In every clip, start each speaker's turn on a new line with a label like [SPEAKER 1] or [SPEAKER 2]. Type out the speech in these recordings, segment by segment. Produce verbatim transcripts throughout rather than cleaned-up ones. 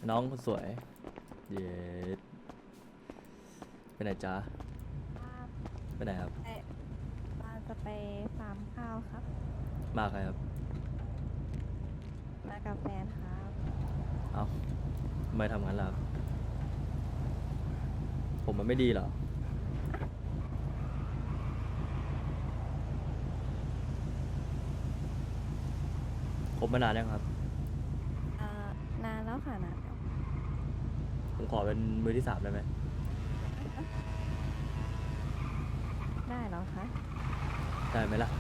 [SPEAKER 1] น้องคนสวยเย็ดไปไหนจ๊ะไปไหนครับ
[SPEAKER 2] ไปมาจะไปฟาร์มข้าวครับ
[SPEAKER 1] มาใครครับ
[SPEAKER 2] มากับแฟนครับ
[SPEAKER 1] เอ้าทำไมทำงั้นล่ะครับผมมันไม่ดีเหรอคบมานานยังครับ
[SPEAKER 2] อ่านานแล้วค่ะนานแล้ว
[SPEAKER 1] ผมขอเป็นมือที่สามได้ไหม
[SPEAKER 2] ได้แล้วคะ
[SPEAKER 1] ได้ไหมล่ะ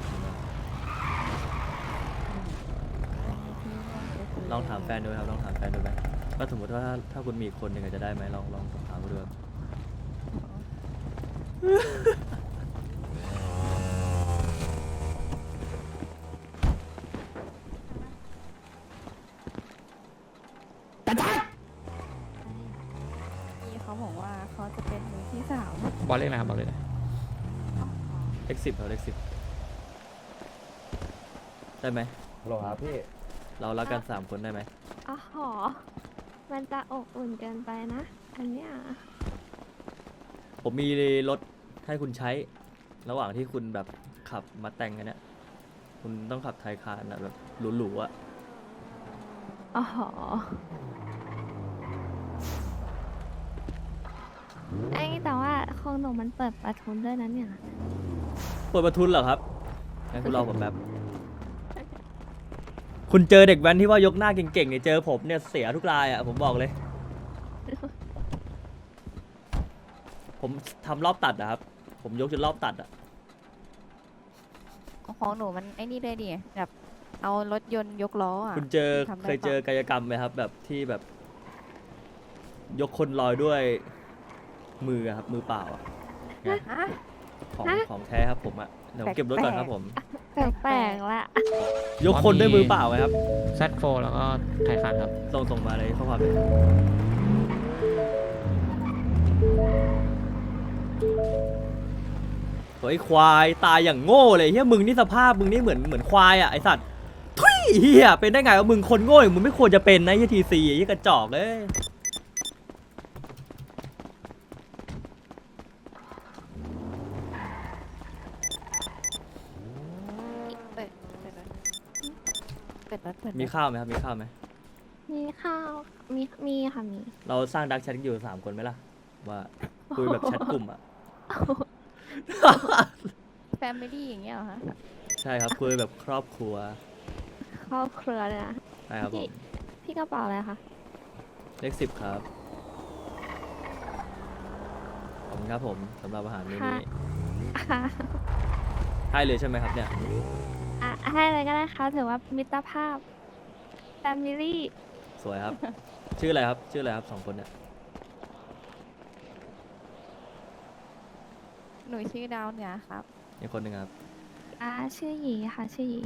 [SPEAKER 2] อืมอันนี้พี่ว่าจะซื้
[SPEAKER 1] ลองถามแฟนดูครับลองถามแฟนดูไหมว่าสมมติว่าถ้าถ้าคุณมีอีกคนหนึ่งจะได้ไหมลองลองถามดูครับ
[SPEAKER 2] พี่เขาบอกว่าเขาจะเป็นมือที่สาม
[SPEAKER 3] บอลเล่นอะไรครับบอลเล่นอะไร
[SPEAKER 1] เลขสิบครับเลขสิบได้ไหม
[SPEAKER 4] ฮัลโหลครับพี่
[SPEAKER 1] เรารักกันสามคนได้ไหม
[SPEAKER 5] อ๋อหอมันจะอบอุ่นเกินไปนะ อันเนี้ย
[SPEAKER 1] ผมมีรถให้คุณใช้ ระหว่างที่คุณแบบขับมาแต่งกันเนี่ยคุณต้องขับไทยคานอะแบบหรูๆอะ
[SPEAKER 5] อ๋อหอไอ้แต่ว่าของหนูมันเปิดประทุนด้วยนะเนี่ย
[SPEAKER 1] เปิดประทุนเหรอครับงั้นคุณรอผมแป๊บ คุณเจอเด็กแว้นที่ว่ายกหน้าเก่งๆเนี่ยเจอผมเนี่ยเสียทุกรายอะผมบอกเลย ผมทำรอบตัดอะครับ ผมยกจนรอบตัดอะ
[SPEAKER 2] ของหนูมันไอ้นี่เลยดิแบบเอารถยนต์ยกล้ออ่ะ
[SPEAKER 1] คุณเจอ
[SPEAKER 2] ทำได้
[SPEAKER 1] เคยเจอ
[SPEAKER 2] ปะ
[SPEAKER 1] กายกรรมไหมครับ แบบที่แบบ ยกคนลอยด้วยมืออะครับ มือเปล่าอะไง
[SPEAKER 2] ฮะ
[SPEAKER 1] ของ
[SPEAKER 5] ฮะ
[SPEAKER 1] ของแท้ครับผมอะเดี๋ยวผมเก็บรถก่อนครับผม
[SPEAKER 5] แปลกๆละ
[SPEAKER 1] ยกคนด้วยมือเปล่าไหมครับ
[SPEAKER 3] แซดโฟแล้วก็ไทยคานครับ
[SPEAKER 1] ส่งส่งมาเลยข้อความเลยโอ้ยควายตายอย่างโง่เลยเฮียมึงนี่สภาพมึงนี่เหมือนเหมือนควายอ่ะไอสัตว์ทุยเฮียเป็นได้ไงว่ามึงคนโง่อย่างมึงไม่ควรจะเป็นนะเฮียทีซีเฮียกระจอกเลย
[SPEAKER 2] เปิดเปิดรถเปิดรถเปิดรถ
[SPEAKER 1] มีข้าวไหมครับมีข้าวไหม
[SPEAKER 5] มีข้าว มี มีค่ะมี
[SPEAKER 1] เราสร้างดักแชทอยู่สามคนไหมล่ะว่าคุยแบบแชทกลุ่มอ่ะ
[SPEAKER 2] แฟมิลี่อย่างเงี้ยเหรอคะ
[SPEAKER 1] ใช่ครับคุยแบบครอบครัว
[SPEAKER 5] ครอบครัวเลยนะ
[SPEAKER 1] ใช่ครับผม
[SPEAKER 5] พี่กระเป๋าอะไรคะ
[SPEAKER 1] เลขสิบครับขอบคุณครับผมสำหรับอาหารมื้อนี้
[SPEAKER 5] ค่ะ
[SPEAKER 1] ให้เลยใช่ไหมครับเนี่ย
[SPEAKER 5] อ่ะให้อะไรก็ได้ค่ะถือว่ามิตรภาพ แฟมิลี่
[SPEAKER 1] สวยครับ ชื่ออะไรครับ ชื่ออะไรครับสองคนเนี่ย
[SPEAKER 2] หนูชื่อดาวเหนือครับ
[SPEAKER 1] อีกคนหนึ่งครับ
[SPEAKER 5] อ่า ชื่อหยีค่ะ ชื่อหยี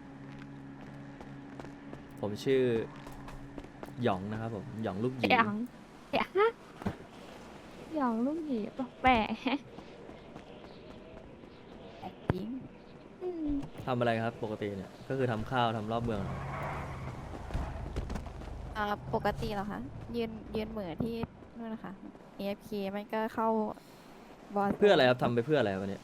[SPEAKER 1] ผมชื่อหยองนะครับผม หยองลูกหยี
[SPEAKER 5] หยองหยองหยองลูกหยีแปลกๆแฮะ
[SPEAKER 2] แอบยิง
[SPEAKER 5] อืม
[SPEAKER 1] ทำอะไรครับ ปกติเนี่ย ก็คือทำข้าวทำรอบเมืองเหรอ
[SPEAKER 2] อ่าปกติเหรอคะยืนยืนเหมือที่นู่นนะคะ เอ เอฟ เค มันก็เข้าบอล
[SPEAKER 1] เพื่ออะไรครับทำไปเพื่ออะไรวันนี้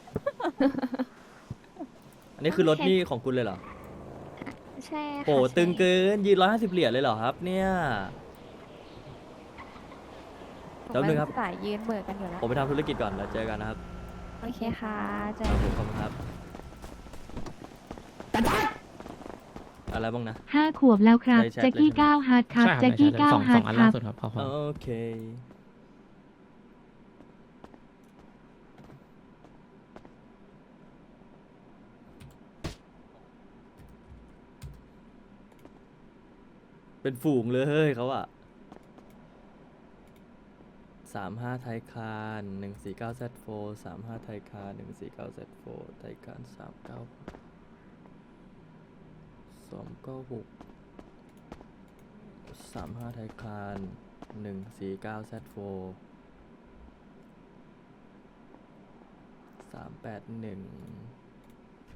[SPEAKER 1] อันนี้คือรถนี่ของคุณเลยเหรอ
[SPEAKER 5] ใช่ค่ะ
[SPEAKER 1] โอ้
[SPEAKER 5] ใช่
[SPEAKER 1] ตึงเกินยืนร้อยห้าสิบเหรียญเลยเหรอครับ เนี่ย
[SPEAKER 2] ผม
[SPEAKER 1] แป๊บนึงครับ
[SPEAKER 2] สายยืนเหมือกันอยู่แล้ว
[SPEAKER 1] ผมไปทำธุรกิจก่อนแล้วเจอกันนะครับ
[SPEAKER 5] โอเคค่ะเจอ
[SPEAKER 1] ครับผมขอบคุณครับ อะไรบ้างนะ
[SPEAKER 6] ห้าขวบแล้วครับ
[SPEAKER 1] ในแชท
[SPEAKER 6] แจ็คกี้
[SPEAKER 1] เลยใช่ไหม
[SPEAKER 6] เก้าฮาร์ดครับ
[SPEAKER 3] ใช่ครับ
[SPEAKER 6] แจ็คกี้
[SPEAKER 3] ในแชท
[SPEAKER 6] เก้า
[SPEAKER 3] สอง
[SPEAKER 6] ฮา
[SPEAKER 3] ส
[SPEAKER 6] ร์
[SPEAKER 3] อง
[SPEAKER 6] ด
[SPEAKER 3] อัน
[SPEAKER 6] ค
[SPEAKER 3] ล่า
[SPEAKER 6] รับ
[SPEAKER 3] สุดครับพอพอ
[SPEAKER 1] โอเค เป็นฝูงเลยเขาอะสามห้าไทยคานหนึ่งสี่เก้าแซดโฟสามห้าไทยคานหนึ่งสี่เก้าแซดโฟไทยคานสามเก้าสองเก้าหกสามห้าไทยคานหนึ่งสี่เก้าแซดโฟสามแปดหนึ่ง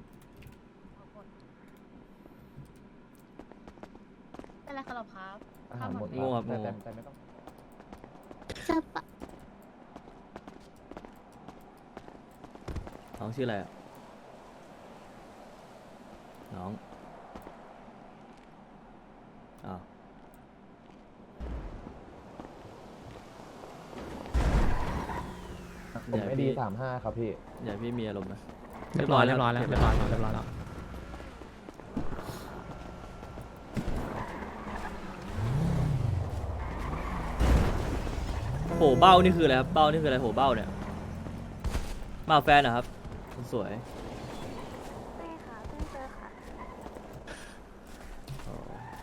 [SPEAKER 7] เป็นไรครับครับ
[SPEAKER 4] ออาหารหมด
[SPEAKER 1] โง่ครับ
[SPEAKER 4] แต่
[SPEAKER 1] โง่
[SPEAKER 4] แต่แต่ไม่ต้อง
[SPEAKER 5] จะปะ
[SPEAKER 1] น้องชื่ออะไรอะน้องอ้าว
[SPEAKER 4] ผม
[SPEAKER 1] เดี๋ยว
[SPEAKER 4] ไม่ดี
[SPEAKER 1] พี่
[SPEAKER 4] สามห้าครับพี่
[SPEAKER 1] อย่าพี่มีอารมณ์นะ
[SPEAKER 3] เรียบร้อยเรียบร้อยแล้วเรียบร้อยแล้วเรียบร้อยแล้ว
[SPEAKER 1] โหเบ้านี่คืออะไรครับเบ้านี่คืออะไรโหเบ้าเนี่ยมากับแฟนเหรอครับคนสวย
[SPEAKER 5] ไม่ค่ะเพิ่งเจอค่ะ
[SPEAKER 1] อ๋อ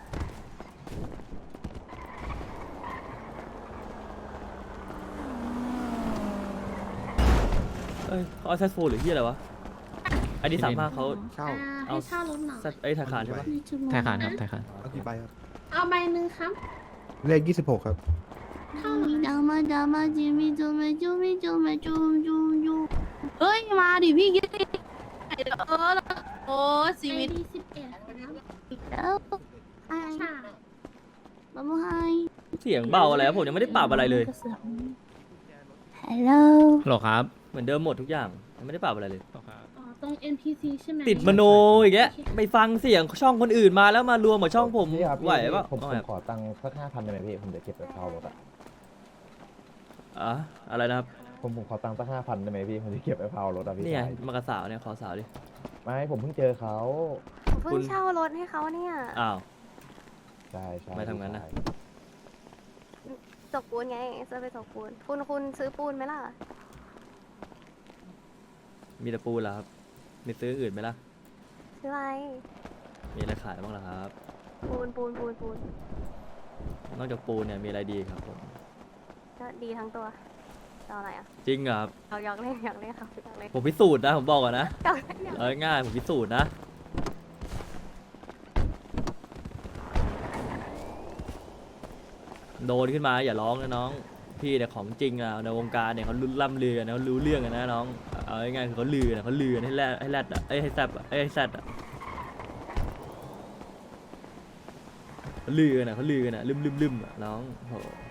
[SPEAKER 1] เอ้ยเขาเอาแซดโฟนหรือที่อะไรวะอันนี้สามารถเขา
[SPEAKER 6] เช่า
[SPEAKER 1] เอา
[SPEAKER 7] ให้เช่ารถหน่อย
[SPEAKER 1] แซดไอ้ยธนาคารใช่ปะ
[SPEAKER 7] มีชั่วโมง
[SPEAKER 3] ไทยคานครับ
[SPEAKER 7] นะ
[SPEAKER 3] ไทยคาน
[SPEAKER 6] เอากี่ใบครับ
[SPEAKER 7] เอาใบหนึ่งครับ
[SPEAKER 6] เลขยี่สิบหกครับ
[SPEAKER 7] เท่าไหร่ดามาดามาจิมิจูมิจูมิจูมิจูมจูมจูเอ้ย มาดิพี่กิ๊กเออโอ้ชีวิตสิบเอ็ดครับ
[SPEAKER 5] แล้วไอ้
[SPEAKER 7] ใช่
[SPEAKER 5] บะมไฮ
[SPEAKER 1] เสียงเบาอะไรครับผมยังไม่ได้ปรับอะไรเลย
[SPEAKER 5] ฮัลโหล
[SPEAKER 3] ฮัลโหลครับ
[SPEAKER 1] เหมือนเดิมหมดทุกอย่างยังไม่ได้ปรับอะไรเลย
[SPEAKER 3] ฮัลโหลครับ
[SPEAKER 7] อ๋อตรง เอ็น พี ซี ใช่ไหม
[SPEAKER 1] ติดมโนอีกแกไปฟังเสียงช่องคนอื่นมาแล้วมารวมกับช่องผม
[SPEAKER 4] พี่ครับพี่
[SPEAKER 1] ไหวปะ
[SPEAKER 4] ผม
[SPEAKER 1] เอา
[SPEAKER 4] ผ
[SPEAKER 1] ไง
[SPEAKER 4] มขอตังค์สักห้าพันได้ไหมพี่ผมจะเก็บไปเช่ารถอะ
[SPEAKER 1] อ่ะอะไรนะครับ
[SPEAKER 4] ผมผมขอตังค์สักห้าพันได้ไหมพี่ผมจะเก็บไปเผารถอะพี่
[SPEAKER 1] นี่ไง
[SPEAKER 4] ชาย
[SPEAKER 1] มากระสาวเนี่ยขอสาวดิ
[SPEAKER 4] ไม่ผมเพิ่งเจอเขา
[SPEAKER 5] ผมเพิ่
[SPEAKER 1] คุ
[SPEAKER 5] ง
[SPEAKER 1] ณ
[SPEAKER 5] เช่ารถให้เขาเนี่ย
[SPEAKER 1] อ้าว
[SPEAKER 4] ใช่ใช่
[SPEAKER 1] ไม่ทำงั้นนะ
[SPEAKER 4] พี่ชาย
[SPEAKER 5] ตกปูนไงจะไปตกปูนคุณคุณซื้อปูนไหมล่ะ
[SPEAKER 1] มีแต่ปูนเหรอครับมีซื้ออื่นไหมล่ะ
[SPEAKER 5] ซื้ออะไร
[SPEAKER 1] มีอะไรขายบ้างล่ะครับ
[SPEAKER 5] ปูนปูนปูนปูน
[SPEAKER 1] นอกจากปูนเนี่ยมีอะไรดีครับผม
[SPEAKER 5] ก็ดีทั้งตัวจะเอาอะไรอ่ะ
[SPEAKER 1] จริงเหรอครับ
[SPEAKER 5] เอาอยากเล่นอยากเล่นครับอยากเล่น
[SPEAKER 1] ผมพิสูจน์นะผมบอกก่อนนะ
[SPEAKER 5] อยากเล่นอยาก
[SPEAKER 1] เอาง่ายๆผมพิสูจน์นะโดนขึ้นมาอย่าร้องนะน้องพี่เนี่ยของจริงอ่ะในวงการเนี่ยเขารู้ล่ำลือกันนะเขารู้เรื่องกันนะน้องเอาง่ายๆคือเขาลือนะเขาลือกันให้แรดให้แรดอ่ะเอ้ยให้แซบอ่ะเอ้ยให้แซดอ่ะเขาลือกันนะเขาลือกันนะลืมลืมลืมอ่ะน้องโห